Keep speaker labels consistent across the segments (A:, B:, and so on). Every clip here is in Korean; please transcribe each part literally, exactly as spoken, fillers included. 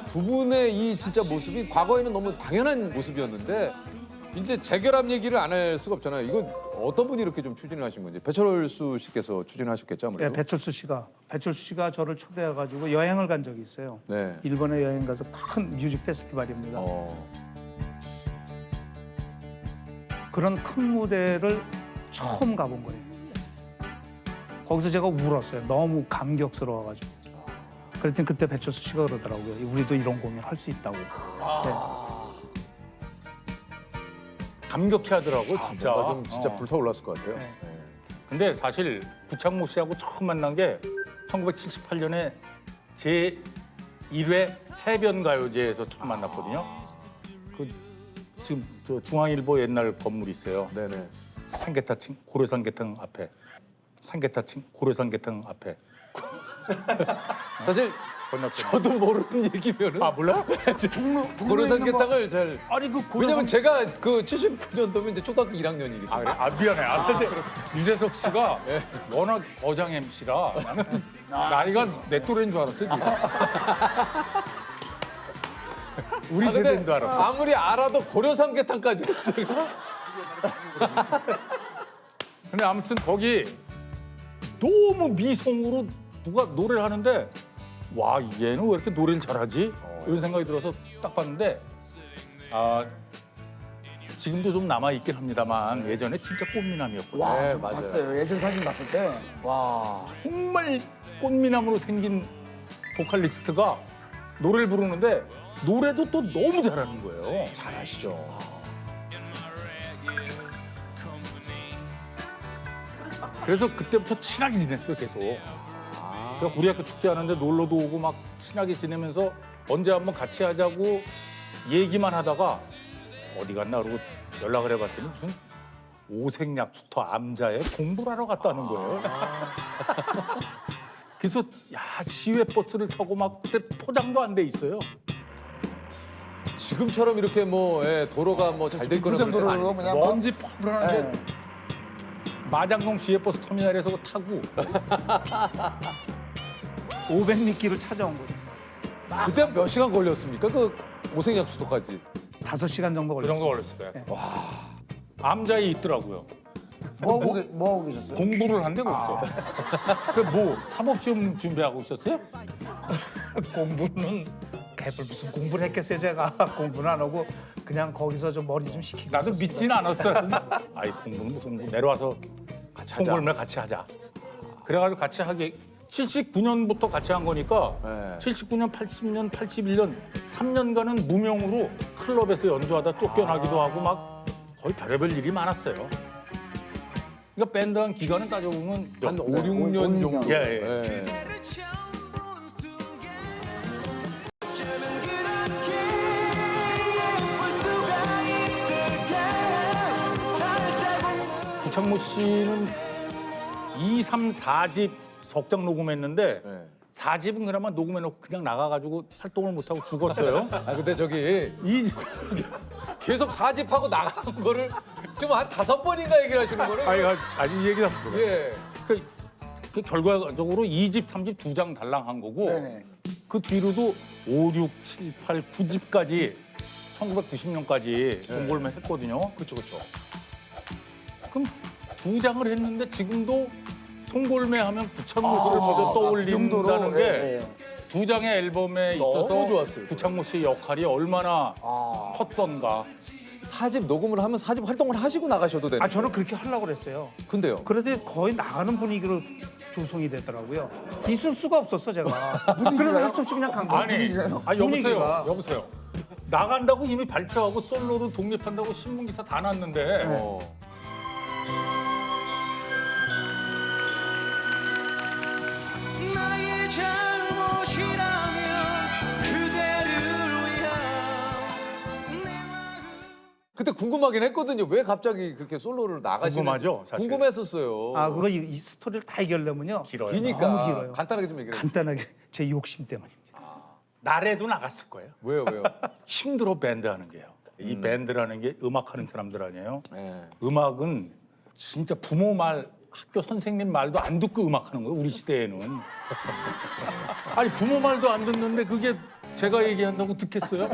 A: 두 분의 이 진짜 모습이 과거에는 너무 당연한 모습이었는데 이제 재결합 얘기를 안 할 수가 없잖아요. 이건 어떤 분이 이렇게 좀 추진을 하신 건지. 배철수 씨께서 추진하셨겠죠,
B: 네,
A: 아무래도.
B: 배철수 씨가 배철수 씨가 저를 초대해가지고 여행을 간 적이 있어요.
A: 네.
B: 일본에 여행 가서 큰 뮤직 페스티벌입니다.
A: 어.
B: 그런 큰 무대를 처음 가본 거예요. 거기서 제가 울었어요. 너무 감격스러워가지고. 그랬더니 그때 배철수 씨가 그러더라고요. 우리도 이런 공연 할 수 있다고. 네.
C: 감격해 하더라고 진짜.
A: 뭔가 좀 진짜
C: 어.
A: 불타올랐을 것 같아요.
B: 네.
A: 네.
C: 근데 사실 구창모 씨하고 처음 만난 게 천구백칠십팔 년에 제 일 회 해변가요제에서 처음 만났거든요. 그 지금 저 중앙일보 옛날 건물 있어요.
A: 네네.
C: 삼계타층 고려삼계탕 앞에. 삼계타층 고려삼계탕 앞에.
A: 사실
C: 건너편.
A: 저도 모르는 얘기면은
C: 아 몰라?
A: 고려삼계탕을 잘
C: 아니 그 고려삼...
A: 왜냐면 제가 그 칠십구 년도면 이제 초등학교 일 학년이기
C: 아,
A: 때문에.
C: 그래? 아 미안해. 아, 근데 유재석 씨가 워낙 어장 엠씨라 나는 나이가 내 또래인 줄 알았어. 지금. 우리
A: 아, 근데
C: 세대인 줄 알았어.
A: 아무리 알아도 고려삼계탕까지 제가
C: 근데 아무튼 거기 너무 미성으로 누가 노래를 하는데 와 얘는 왜 이렇게 노래를 잘하지? 이런 생각이 들어서 딱 봤는데 아 지금도 좀 남아 있긴 합니다만 예전에 진짜 꽃미남이었거든요.
D: 와,
A: 네,
D: 저
A: 맞아요.
D: 봤어요. 예전 사진 봤을 때. 와.
C: 정말 꽃미남으로 생긴 보컬리스트가 노래를 부르는데 노래도 또 너무 잘하는 거예요.
A: 잘하시죠.
C: 그래서 그때부터 친하게 지냈어요, 계속. 그래서 우리 학교 축제하는데 놀러도 오고 막 친하게 지내면서 언제 한번 같이 하자고 얘기만 하다가 어디 갔나 그러고 연락을 해봤더니 무슨 오색약수터 암자에 공부를 하러 갔다는 거예요. 그래서 야 시외 버스를 타고 막 그때 포장도 안 돼 있어요.
A: 지금처럼 이렇게 뭐 예, 도로가 뭐 잘 돼 있거나 그럴 때가
D: 부정도로
A: 아니에요.
D: 그냥 막.
C: 먼지 퍼블하는데
D: 네.
C: 마장동 시외버스 터미널에서 타고
B: 오백 미끼를 찾아온 거죠.
A: 그때 몇 시간 걸렸습니까? 그 오색약수도까지.
B: 다섯 시간 정도
C: 그
B: 걸렸어요.
C: 정도 걸렸을 거예요. 와 암자에 있더라고요.
D: 뭐 하고, 계- 뭐 하고 계셨어요?
C: 공부를 한데 거기서. 그 뭐 사법시험 준비하고 있었어요?
B: 공부는 개뿔 무슨 공부를 했겠어요 제가. 공부는 안 하고 그냥 거기서 좀 머리 좀 식히고
C: 나도
B: 있었어요.
C: 믿지는 않았어요. 아이 공부는 무슨 공부. 내려와서
A: 같이 하자.
C: 송골매 같이 하자. 그래가지고 같이 하게 칠십구 년부터 같이 한 거니까
A: 네.
C: 칠십구 년, 팔십 년, 팔십일 년 삼 년간은 무명으로 클럽에서 연주하다 쫓겨나기도 하고 막 거의 별의별 일이 많았어요. 그러니까 밴드 한 기간은 따져보면
A: 한 오,
D: 네,
A: 육
D: 오,
A: 년
D: 오, 육
A: 정도.
D: 년.
C: 예, 예.
A: 예.
C: 구창모 씨는 이, 삼, 사 집 석장 녹음했는데
A: 네.
C: 사 집은 그나마 녹음해놓고 그냥 나가가지고 활동을 못하고 죽었어요.
A: 아 근데 저기
C: 이 집,
A: 계속 사집하고 나간 거를 지금 한 다섯 번인가 얘기를 하시는 거는.
C: 아니, 아니 이 얘기 한번 들어요.
A: 예.
C: 그, 그 결과적으로 이 집, 삼 집 두 장 달랑 한 거고
D: 네네.
C: 그 뒤로도 오, 육, 칠, 팔, 구 집까지 천구백구십 년까지 송골매 했거든요.
A: 그렇죠, 그렇죠.
C: 그럼 두 장을 했는데 지금도 송골매 하면 구창모 씨를
D: 아,
C: 먼저
D: 그 정도로,
C: 떠올린다는 게
D: 예,
C: 두 장의 앨범에
A: 너무
C: 있어서
A: 좋았어요.
C: 구창모 씨의 역할이 얼마나
D: 아.
C: 컸던가.
A: 사집 녹음을 하면 사집 활동을 하시고 나가셔도 되는.
B: 아 저는 그렇게 하려고 그랬어요.
A: 근데요.
B: 그런데 거의 나가는 분위기로 조성이 되더라고요. 있을 수가 없었어 제가.
D: 분위기가요?
B: 그래서 할수 없이 그냥 간 거예요.
C: 아니,
D: 분위기가요?
C: 아 여보세요,
B: 분위기가.
C: 여보세요. 나간다고 이미 발표하고 솔로로 독립한다고 신문 기사 다 났는데
A: 어.
E: 나의 잘못이라면 그대를 위한 내 마음
A: 그때 궁금하긴 했거든요. 왜 갑자기 그렇게 솔로를 나가시는?
C: 궁금하죠, 사실.
A: 궁금했었어요.
B: 아 그거 이, 이 스토리를 다 얘기하려면요.
C: 길어요.
A: 기니까
B: 너무 길어요.
A: 간단하게 좀 얘기해.
B: 간단하게 제 욕심 때문입니다.
C: 날에도 나갔을 거예요.
A: 왜요, 왜요?
C: 힘들어 밴드 하는 게요. 이 밴드라는 게 음악하는 사람들 아니에요.
A: 예.
C: 음악은 진짜 부모 말 학교 선생님 말도 안 듣고 음악하는 거예요. 우리 시대에는. 아니 부모 말도 안 듣는데 그게 제가 얘기한다고 듣겠어요?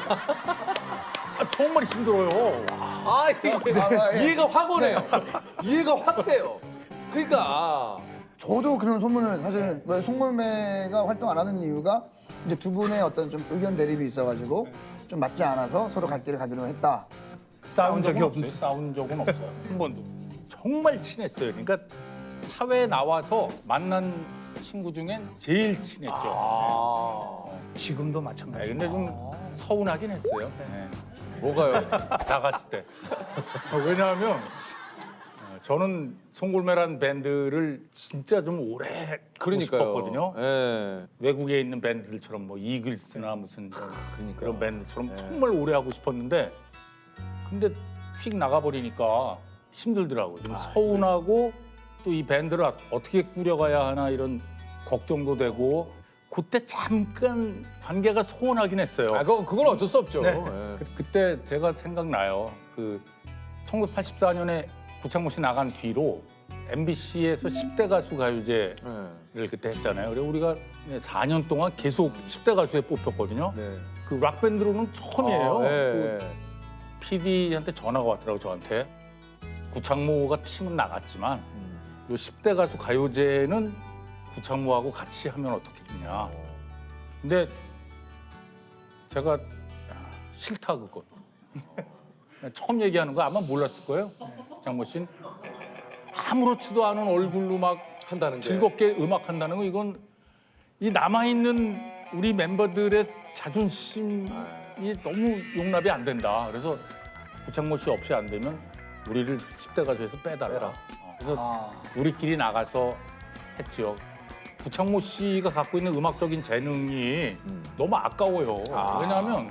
C: 아, 정말 힘들어요.
A: 아, 이게
D: 아, 예.
A: 이해가 확 오네요. 이해가 확 돼요. 그러니까
D: 저도 그런 소문을 사실은 왜 송골매가 활동 안 하는 이유가 이제 두 분의 어떤 좀 의견 대립이 있어가지고 좀 맞지 않아서 서로 갈 길을 가기로 했다.
B: 싸운 적이
C: 없어요.
B: 없어요.
C: 싸운 적은 없어요. 한 번도. 정말 친했어요. 그러니까 사회에 나와서 만난 친구 중엔 제일 친했죠.
A: 아,
B: 지금도
C: 네,
B: 마찬가지.
C: 근데 좀 서운하긴 했어요. 네.
A: 뭐가요?
C: 나갔을 때. 어, 왜냐하면 어, 저는 송골매란 밴드를 진짜 좀 오래 하고
A: 그러니까요.
C: 싶었거든요.
A: 예.
C: 외국에 있는 밴드들처럼 뭐 이글스나 무슨
A: 그러니까요.
C: 그런 밴드처럼
A: 네.
C: 정말 오래 하고 싶었는데 근데 휙 나가버리니까 힘들더라고요. 좀 서운하고 또 이 밴드를 어떻게 꾸려가야 하나 이런 걱정도 되고 그때 잠깐 관계가 소원하긴 했어요.
A: 아, 그건 그건 어쩔 수 없죠.
C: 네.
A: 예.
C: 그, 그때 제가 생각나요. 그 천구백팔십사 년에 구창모 씨 나간 뒤로 엠비씨에서 십 대 가수 가요제를
A: 예.
C: 그때 했잖아요. 그래서 우리가 사 년 동안 계속 십 대 가수에 뽑혔거든요.
A: 네.
C: 그 락밴드로는 처음이에요.
A: 아, 예,
C: 그
A: 예.
C: 피디한테 전화가 왔더라고 저한테. 구창모가 팀은 나갔지만 요 십 대 가수 가요제는 구창모하고 같이 하면 어떻겠느냐. 근데 제가 야, 싫다 그거. 처음 얘기하는 거 아마 몰랐을 거예요. 장모 씨는 아무렇지도 않은 얼굴로 막
A: 한다는 게.
C: 즐겁게 음악 한다는 거 이건 이 남아 있는 우리 멤버들의 자존심이 너무 용납이 안 된다. 그래서 구창모 씨 없이 안 되면 우리를 십 대 가수에서 빼달라.
A: 빼라.
C: 어, 그래서
D: 아,
C: 우리끼리 나가서 했죠. 구창모 씨가 갖고 있는 음악적인 재능이 너무 아까워요.
A: 아.
C: 왜냐하면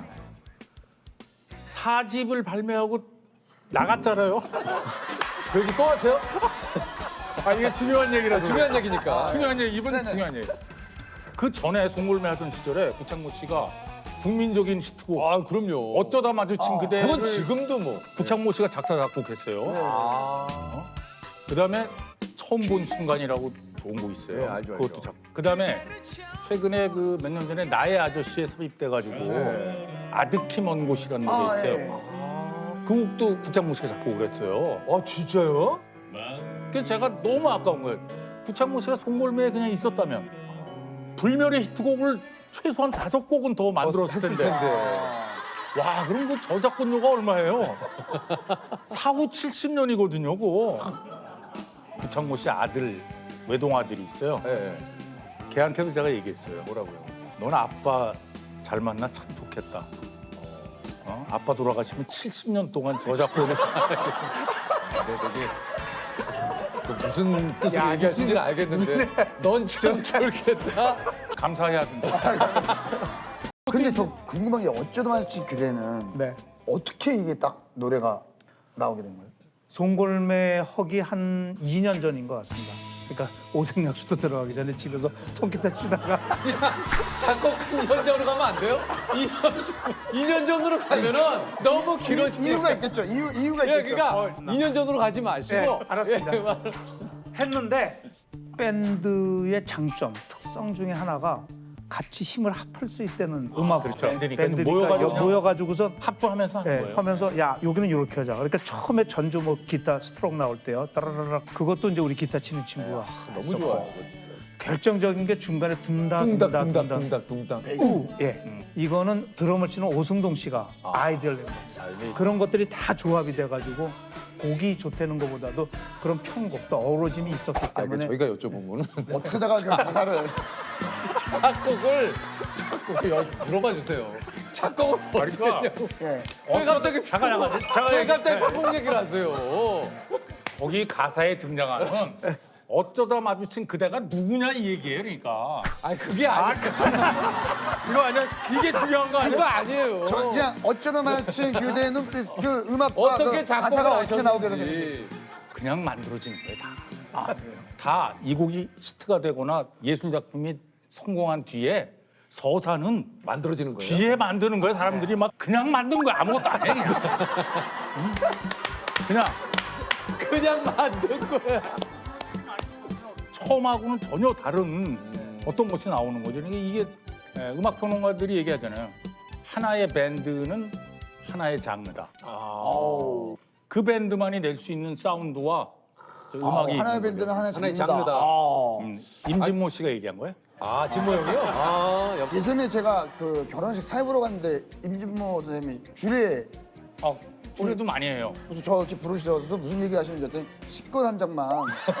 C: 사 집을 발매하고 나갔잖아요.
A: 그 얘기 또 하세요?
C: 아 이게 중요한 얘기라
A: 중요한 얘기니까.
C: 중요한 얘기 이번
D: 네네.
C: 중요한 얘기. 그 전에 송골매 하던 시절에 구창모 씨가 국민적인 히트곡
A: 아, 그럼요.
C: 어쩌다 마주친 그대를
A: 그건 지금도 뭐.
C: 구창모 씨가 작사 작곡했어요.
A: 아.
C: 그다음에 처음 본 순간이라고 좋은 곡 있어요.
A: 네, 알죠, 알죠.
C: 그것도 작. 그다음에 최근에 그 몇 년 전에 나의 아저씨에 삽입돼가지고 아득히 먼 곳이라는 노래
D: 아,
C: 있어요.
D: 예.
C: 그 곡도 구창모 씨가 작곡을 했어요.
A: 아, 진짜요?
C: 그래서 제가 너무 아까운 거예요. 구창모 씨가 송골매에 그냥 있었다면 불멸의 히트곡을 최소한 다섯 곡은 더 만들었을
A: 했을
C: 텐데.
A: 텐데.
C: 와, 그럼 그 저작권료가 얼마예요? 사후 칠십 년이거든요, 그거. 구창모 씨 아들, 외동 아들이 있어요.
A: 예. 예.
C: 걔한테도 제가 얘기했어요.
A: 뭐라고요?
C: 넌 아빠 잘 만나 참 좋겠다. 어? 아빠 돌아가시면 칠십 년 동안 저작권을
A: 그 무슨 뜻으로 얘기하시는지는 알겠는데 넌 참 좋겠다.
C: 감사해야 된다.
D: 근데 저 궁금한 게 어쩌다 마주친 그대는
B: 네.
D: 어떻게 이게 딱 노래가 나오게 된 거예요?
B: 송골매 허기 한 이 년 전인 것 같습니다. 그러니까 오색약수도 들어가기 전에 집에서 통기타 치다가
A: 작곡 이 년 전으로 가면 안 돼요? 이 년, 전- 이 년 전으로 가면은 너무 길어지니까.
D: 이유가 있겠죠. 이유 이유가
A: 예,
D: 있겠죠.
A: 그러니까 이 년 전으로 가지 마시고.
B: 네, 알았습니다.
A: 예, 말-
B: 했는데 밴드의 장점, 특성 중에 하나가 같이 힘을 합할 수 있다는 음악
C: 그렇죠. 밴드니까
B: 밴드니까
C: 모여가지고
B: 여- 모여가지고선
C: 합주하면서 하는
B: 예,
C: 거예요.
B: 하면서 야 여기는 이렇게 하자. 그러니까 처음에 전주 뭐 기타 스트로크 나올 때요. 따라라라 그것도 이제 우리 기타 치는 친구가
A: 너무
B: 했었고.
A: 좋아요.
B: 결정적인 게 중간에 둥다
A: 둥닥,
B: 둥다
A: 둥닥,
B: 둥다.
A: 둥닥, 둥닥.
B: 우, 예. 이거는 드럼을 치는 오승동 씨가 아이디어를 낸 거예요. 그런 것들이 다 조합이 돼가지고 곡이 좋다는 것보다도 그런 편곡도 어우러짐이 있었기
A: 아, 그
B: 때문에
A: 저희가 여쭤본 거는
D: 어떻게 하다가 그 가사를
A: 작곡을 작곡을 여- 물어봐 주세요. 작곡을 어떻게
C: 그러니까
A: 했냐고.
D: 예.
A: 왜 갑자기
C: 잠깐 잠깐 잠깐
A: 왜
C: 얘기-
A: 갑자기 편곡 얘기를 하세요?
C: 거기 가사에 등장하는 어쩌다 마주친 그대가 누구냐 이 얘기예요, 그러니까.
A: 아니 그게 아니
C: 이거 아니야? 이게 중요한 거
A: 그거
C: 아니야?
A: 아니에요.
D: 저 그냥 어쩌다 마주친 그대의 눈빛 그 음악과
A: 어떻게
D: 그
A: 작곡을
D: 가사가 어떻게 나오게 되는지.
A: 하셨는지.
C: 그냥 만들어지는 거예요, 다. 다 이 곡이 히트가 되거나 예술 작품이 성공한 뒤에 서사는
A: 만들어지는 거예요.
C: 뒤에 만드는 거예요. 사람들이 막 그냥 만든 거야. 아무것도 안 해. 그냥. 응? 그냥
A: 그냥 만든 거야.
C: 처음하고는 전혀 다른 어떤 것이 나오는 거죠. 그러니까 이게 예, 음악 평론가들이 얘기하잖아요. 하나의 밴드는 하나의 장르다.
D: 아우.
C: 그 밴드만이 낼 수 있는 사운드와 저 음악이
D: 하나의
C: 있는
D: 밴드는
C: 거죠.
D: 하나의
A: 하나의
D: 장르다.
A: 장르다.
D: 아.
C: 음, 임진모 씨가 얘기한 거예요?
A: 아 진모 형이요? 아 역시.
D: 예전에 제가 그 결혼식 사회 보러 갔는데 임진모 선생님이 줄에
C: 아, 우리도 많이 해요.
D: 무슨 저 이렇게 부르셔서 무슨 얘기 하시는지 했더니 식권 한 장만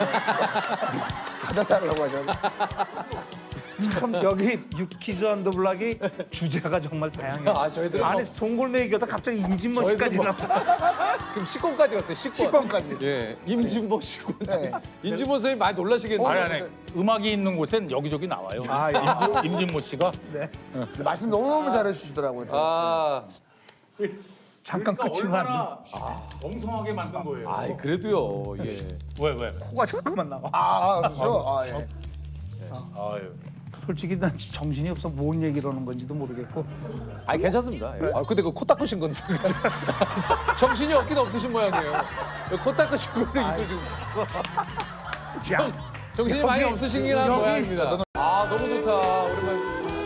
D: 받아달라고 하셔서
B: 참 여기 유키즈 언더 블락이 주제가 정말 다양해요.
A: 아, 저희들은
B: 안에
A: 뭐-
B: 송골매 얘기하다 갑자기 임진모
A: 저희들은
B: 씨까지
A: 뭐-
B: 나와.
A: 그럼 식권까지 갔어요. 식권.
D: 식권까지.
A: 예, 임진모 식권.
D: 네.
A: 임진모 선생님 많이 놀라시겠네요.
C: 아니 아니 음악이 있는 곳엔 여기저기 나와요.
B: 아, 예.
C: 임진, 임진모 씨가
B: 네.
D: 근데 말씀 너무 잘해주시더라고요.
A: 아,
B: 잠깐 끝이만
C: 얼마나 엉성하게 만든 거예요.
A: 아이 그래도요. 예.
C: 왜 왜?
B: 코가 잠깐만 나와.
D: 아, 그렇죠? 아, 예.
C: 아유.
B: 솔직히 난 정신이 없어 뭔 얘기를 하는 건지도 모르겠고.
A: 아 괜찮습니다. 예. 아 근데 그 코 닦으신 건데 정신이 없긴 없으신 모양이에요. 코 닦으신 거는 이거 지금 정, 정신이 많이
B: 여기-
A: 없으시긴 한
B: 여기-
A: 모양입니다. 아 너무 좋다. 오랜만에.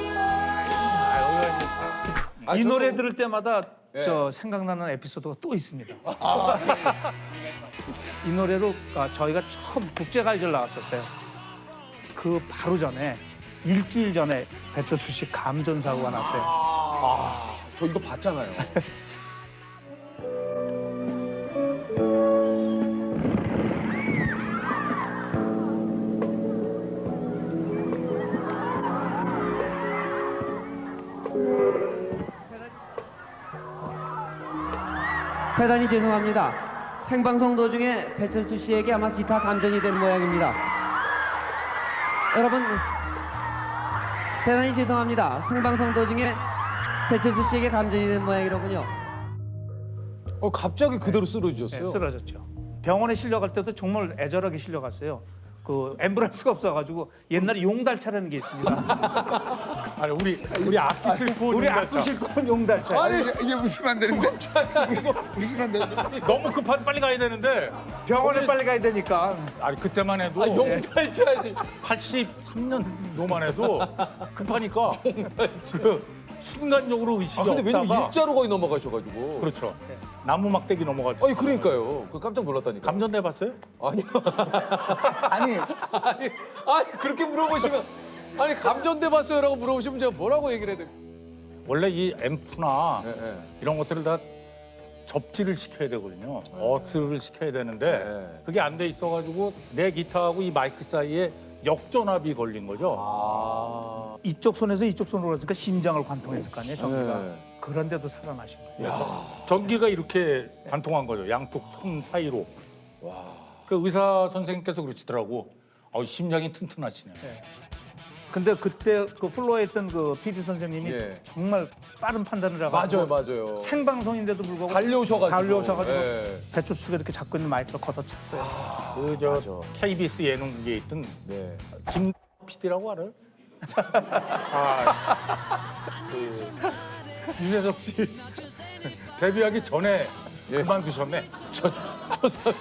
A: 아,
B: 이
A: 저도-
B: 노래 들을 때마다
A: 예.
B: 저 생각나는 에피소드가 또 있습니다. 이 노래로 아, 저희가 처음 국제가요제를 나왔었어요. 그 바로 전에 일주일 전에 배철수 씨 감전 사고가 났어요.
A: 저 이거 봤잖아요.
F: 대단히 죄송합니다. 생방송 도중에 배철수 씨에게 아마 기타 감전이 된 모양입니다. 여러분, 대단히 죄송합니다. 생방송 도중에 배철수 씨에게 감전이 된 모양이로군요.
A: 어 갑자기 그대로
B: 네,
A: 쓰러지셨어요.
B: 쓰러졌죠. 병원에 실려갈 때도 정말 애절하게 실려갔어요. 그 앰뷸런스가 없어가지고 옛날에 용달차라는 게 있습니다.
C: 아니 우리 우리 악기 싣고
B: 우리
C: 용달차.
B: 악구 싣고 용달차.
D: 아니, 이게, 이게 웃으면 안 되는데. 웃으- 웃으면 안 되는데.
C: 너무 급한 빨리 가야 되는데
B: 병원에 빨리 가야 되니까.
C: 아니 그때만 해도
A: 아 용달차지.
C: 팔십삼 년도만 해도 급하니까 그 순간적으로 의식이
A: 아 근데 왜냐면
C: 없다가
A: 일자로 거의 넘어가셔가지고.
C: 그렇죠. 나무 막대기 넘어갔죠.
A: 아니 그러니까요. 그 깜짝 놀랐다니까.
C: 감전 내봤어요?
A: 아니요.
D: 아니,
A: 아니, 아니 그렇게 물어보시면 아니 감전돼 봤어요라고 물어보시면 제가 뭐라고 얘기를 해야 돼?
C: 원래 이 앰프나
A: 예, 예.
C: 이런 것들을 다 접지를 시켜야 되거든요. 어스를 시켜야 되는데
A: 네.
C: 그게 안 돼 있어가지고 내 기타하고 이 마이크 사이에 역전압이 걸린 거죠.
A: 아.
B: 이쪽 손에서 이쪽 손으로 갔으니까 심장을 관통했을 거 아니에요, 전기가.
A: 네.
B: 그런데도 살아나신 거예요.
C: 전기가 이렇게 관통한 거죠. 양쪽 손 사이로. 그 의사 선생님께서 그러시더라고. 아, 심장이 튼튼하시네.
B: 근데 그때 그 플로어에 있던 그 피디 선생님이
A: 예.
B: 정말 빠른 판단을
A: 맞아요,
B: 해가지고
A: 맞아요.
B: 생방송인데도 불구하고
A: 달려오셔가지고.
B: 달려오셔가지고
A: 예.
B: 배철수 씨가 이렇게 잡고 있는 마이크를 걷어찼어요.
C: 그 저
A: 맞아.
C: 케이비에스 예능국에 있던
A: 네.
C: 김 피디라고 알아요? 아, 그 유재석 씨 데뷔하기 전에
A: 예.
C: 그만두셨네.
A: 저 초삼이.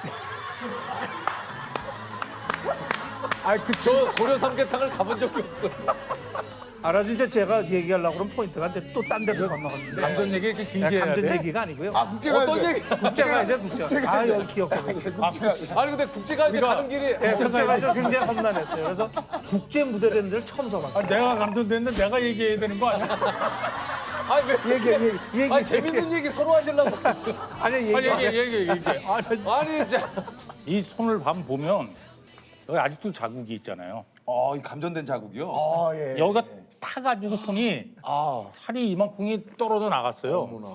A: 아, 그저 고려 삼계탕을 가본 적이 없어요.
B: 알아서 이제 제가 얘기하려고 그러면 포인트가 이제 또 딴 데로 건너갔는데
C: 감전 얘기 이렇게 길게 해야
B: 감전
C: 돼?
B: 얘기가 아니고요.
D: 아, 국제가
A: 어떤 얘기?
B: 국제가 이제 국제. 아 여기 기억하고 있어요.
A: 아니 근데 국제가요제
C: 우리가-
A: 가는 길이
B: 네, 국제가 이제 굉장히 험난했어요. 그래서 국제 무대라는 데를 처음
C: 아,
B: 서봤어요.
C: 내가 감전됐는데 내가 얘기해야 되는 거 아니야?
A: 아니 왜
B: 얘기 얘기 얘기.
A: 아니 재밌는 얘기 서로 하시려고 그랬어요.
B: 아니 얘기.
C: 아, 얘기 얘기 얘기. 얘기. 아,
A: 아니 자.
C: 이 손을 밤 보면 여기 아직도 자국이 있잖아요.
A: 어, 이 감전된 자국이요?
D: 아, 예.
C: 여기가 타가지고 손이 살이 이만큼이 떨어져 나갔어요.
A: 어머나.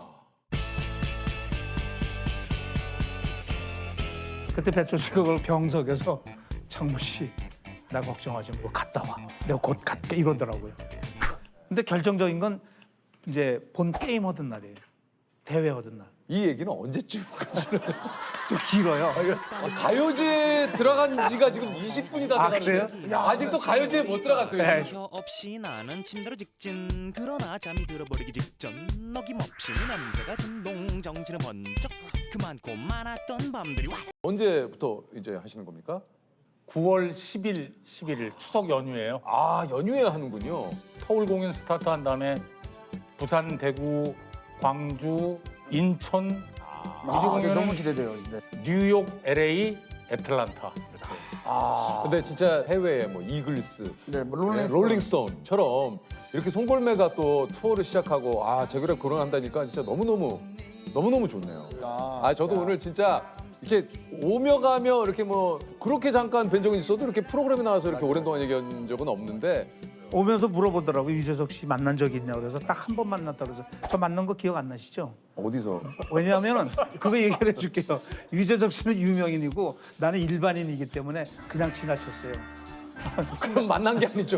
B: 그때 배철수 씨가 그걸 병석에서 장모 씨, 나 걱정하지 말고 갔다 와. 내가 곧 갈게 이러더라고요. 근데 결정적인 건 이제 본 게임 하던 날이에요. 대회 하던 날.
A: 이 얘기는 언제쯤 가시나요?
B: 좀 길어요.
A: 아, 가요제 들어간 지가 지금 이십 분이 다
B: 아,
A: 돼가는데 아직도 가요제에 못 들어갔어요.
B: 네.
A: 지금.
E: 혀 없이 나는 침대로 직진 그러나 잠이 들어버리기 직전 어김없이 냄새가 진동 정신은 번쩍 그 많고 많았던 밤들이 와
A: 언제부터 이제 하시는 겁니까?
C: 구월 십일, 십일일 추석 연휴예요.
A: 아 연휴에 하는군요.
C: 서울 공연 스타트한 다음에 부산, 대구, 광주, 인천,
D: 아, 네, 너무 기대돼요. 네.
C: 뉴욕, 엘에이, 애틀란타. 이렇게.
A: 근데 진짜 해외에 뭐 이글스,
D: 네, 뭐
A: 네,
D: 롤링스톤.
A: 롤링스톤처럼 이렇게 송골매가 또 투어를 시작하고 아 제그랩 결혼한다니까 진짜 너무 너무 너무 너무 좋네요. 아 저도 오늘 진짜 이렇게 오며 가며 이렇게 뭐 그렇게 잠깐 뵌 적은 있어도 이렇게 프로그램에 나와서 이렇게 오랜 동안 얘기한 적은 없는데
B: 오면서 물어보더라고요. 유재석 씨 만난 적이 있냐고 그래서 딱 한 번 만났다 그래서 저 만난 거 기억 안 나시죠?
A: 어디서?
B: 왜냐하면은 그거 얘기를 해줄게요. 유재석 씨는 유명인이고 나는 일반인이기 때문에 그냥 지나쳤어요.
A: 그럼 만난 게 아니죠.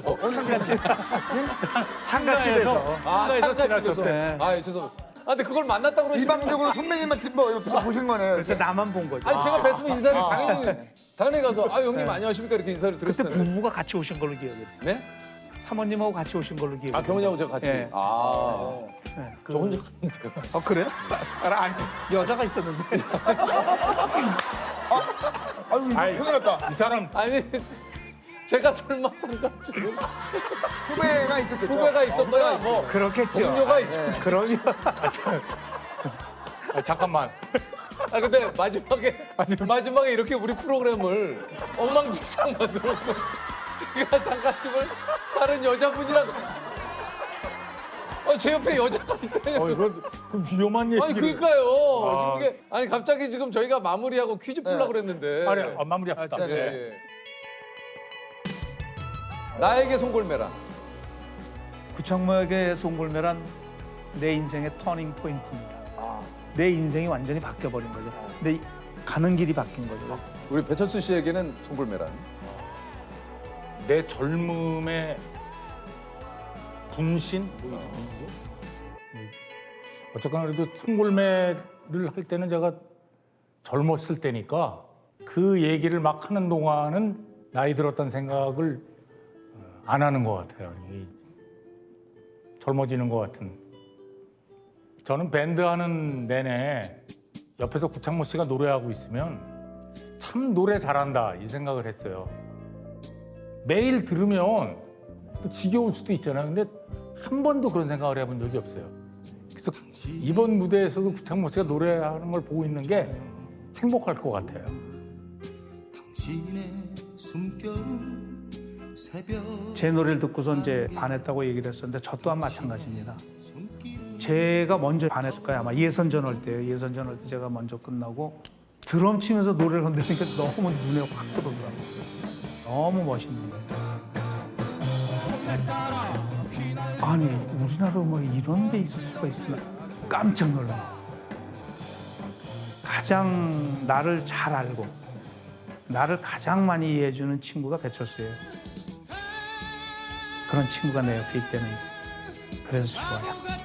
B: 상가집에서.
A: 아 상가집에서.
B: 지나쳤대.
A: 아 죄송합니다. 아 근데 그걸 만났다고 그러시면
D: 일방적으로 선배님한테 뭐 옆에서 보신 거네요.
B: 그래서 나만 본 거죠.
A: 아니 제가 뵀으면 인사를 당연히 당연히 가서 아 형님 안녕하십니까 이렇게 인사를
B: 그때
A: 드렸을 텐데.
B: 부부가 같이 오신 걸로 기억해요.
A: 네?
B: 사모님하고 같이 오신 걸로 기억해요.
A: 아 경훈이하고 제가 같이.
B: 네.
A: 아.
B: 네.
A: 저 혼자 갔는데요.
B: 어 그래요? 아니 여자가 있었는데.
D: 아유, 이거
C: 아이.
D: 큰일 났다.
C: 이 사람
A: 아니 제가 설마 상가집을
D: 후배가 있었겠죠.
A: 후배가 있었 거야 뭐
B: 그렇겠죠.
A: 동료가 있었.
B: 그러니
C: 아, 잠깐만.
A: 아 근데 마지막에 마지막에 이렇게 우리 프로그램을 엉망진창 만들었고 제가 상가집을 다른 여자분이랑 어, 제 옆에 여자가 있다니.
C: 어, 이거 그 위험한 얘기를.
A: 아니 그러니까요.
C: 아.
A: 지금 이게 아니 갑자기 지금 저희가 마무리하고 퀴즈 풀려고 그랬는데.
C: 아니, 아, 마무리합시다.
A: 예,
C: 네.
A: 예. 나에게 송골매란
B: 구창모에게 송골매란 내 인생의 터닝 포인트입니다. 내 인생이 완전히 바뀌어 버린 거죠. 내 가는 길이 바뀐 거죠.
A: 우리 배철수 씨에게는 송골매란
C: 내 젊음의 분신? 뭐 이죠? 네. 어쨌거나 그래도 송골매를 할 때는 제가 젊었을 때니까 그 얘기를 막 하는 동안은 나이 들었다는 생각을 안 하는 것 같아요. 이 젊어지는 것 같은. 저는 밴드 하는 내내 옆에서 구창모 씨가 노래하고 있으면 참 노래 잘한다 이 생각을 했어요. 매일 들으면 또 지겨울 수도 있잖아요. 근데 한 번도 그런 생각을 해본 적이 없어요. 그래서 이번 무대에서도 구창모 씨가 노래하는 걸 보고 있는 게 행복할 것 같아요.
E: 당신의 숨결은 새벽
B: 제 노래를 듣고서 이제 반했다고 얘기를 했었는데 저 또한 마찬가지입니다. 제가 먼저 반했을 거예요. 아마 예선전 할 때요. 예선전 할 때 제가 먼저 끝나고 드럼 치면서 노래를 흔드니까 너무 눈에 확 들어오더라고요. 너무 멋있는 거예요. 아니 우리나라 음악에 이런 게 있을 수가 있구나. 깜짝 놀라요. 가장 나를 잘 알고 나를 가장 많이 이해해주는 친구가 배철수예요. 그런 친구가 내 옆에 있다는 게 그래서 좋아요.